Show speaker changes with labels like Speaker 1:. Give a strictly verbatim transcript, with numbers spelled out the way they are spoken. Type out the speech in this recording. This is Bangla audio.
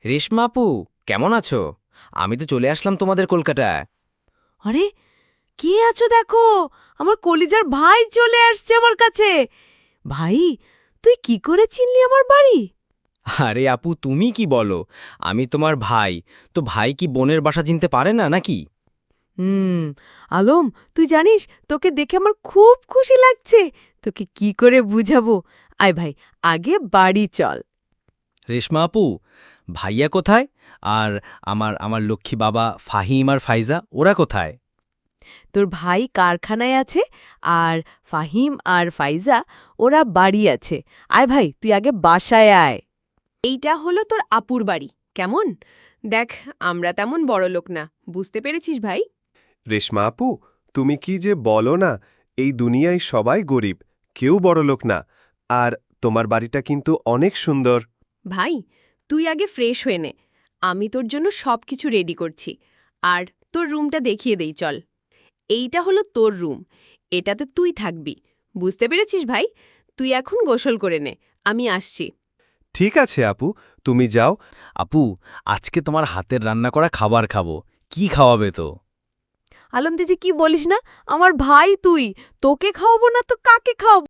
Speaker 1: রেশমা আপু, কেমন আছো? আমি তো চলে আসলাম তোমাদের কলকাতায়।
Speaker 2: আরে, কে আছো দেখো? আমার কলিজার ভাই চলে আসছে আমার কাছে। ভাই, তুই কি করে চিনলি আমার বাড়ি?
Speaker 1: আরে আপু, তুমি কি বলো? আমি তোমার ভাই। তো ভাই কি বোনের বাসা চিনতে পারে না নাকি?
Speaker 2: হুম। আলম, তুই জানিস তোকে দেখে আমার খুব খুশি লাগছে। তোকে কি করে বুঝাবো? আয় ভাই, আগে বাড়ি চল।
Speaker 1: রেশমা আপু, ভাইয়া কোথায়? আর আমার আমার লক্ষ্মী বাবা ফাহিম আর ফাইজা ওরা কোথায়?
Speaker 2: তোর ভাই কারখানায় আছে, আর ফাহিম আর ফাইজা ওরা বাড়ি আছে। আয় ভাই, তুই আগে বাসায় আয়। এইটা হলো তোর আপুর বাড়ি। কেমন? দেখ, আমরা তেমন বড়লোক না, বুঝতে পেরেছিস ভাই?
Speaker 3: রেশমা আপু, তুমি কি যে বলো না, এই দুনিয়ায় সবাই গরিব, কেউ বড়লোক না। আর তোমার বাড়িটা কিন্তু অনেক সুন্দর।
Speaker 2: ভাই, তুই আগে ফ্রেশ হয়ে নে। আমি তোর জন্য সব কিছু রেডি করছি। আর তোর রুমটা দেখিয়ে দেই চল। এইটা হলো তোর রুম। এটাতে তুই থাকবি। বুঝতে পেরেছিস ভাই? তুই এখন গোসল করে নে, আমি আসছি।
Speaker 3: ঠিক আছে আপু, তুমি যাও।
Speaker 1: আপু, আজকে তোমার হাতের রান্না করা খাবার খাবো। কি খাওয়াবে তো?
Speaker 2: আলমদি যে কি বলিস না, আমার ভাই তুই, তোকে খাওয়াবো না তো কাকে খাওয়াবো?